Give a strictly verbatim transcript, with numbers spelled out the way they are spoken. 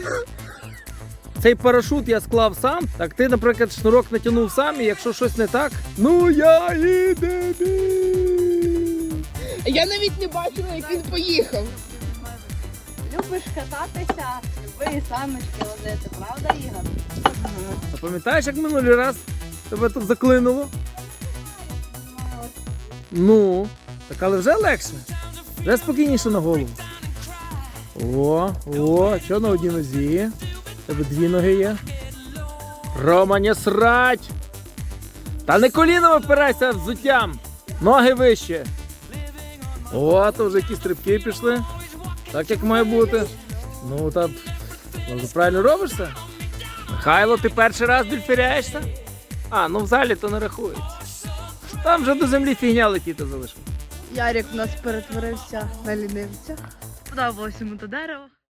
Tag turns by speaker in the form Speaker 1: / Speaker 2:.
Speaker 1: Цей парашут я склав сам, так ти, наприклад, шнурок натягнув сам, і якщо щось не так, ну я і дебіль.
Speaker 2: Я навіть не бачила, як він поїхав.
Speaker 3: Любиш кататися, люби і самочки ловити, правда, Ігор?
Speaker 1: А пам'ятаєш, як минулий раз тебе тут заклинуло? Ну, так але вже легше. Вже спокійніше на голову. О, о, що на одній нозі? У тебе дві ноги є. Рома, не срать! Та не коліном опирайся взуттям! Ноги вище. О, то вже які стрибки пішли. Так як має бути. Ну, так, може, правильно робишся? Михайло, ти перший раз дельфіряєшся? А, ну в залі то не рахується. Там вже до землі фігня летіти залишилось.
Speaker 2: Ярик у нас перетворився на лінивця.
Speaker 3: Подобалось йому то дерево.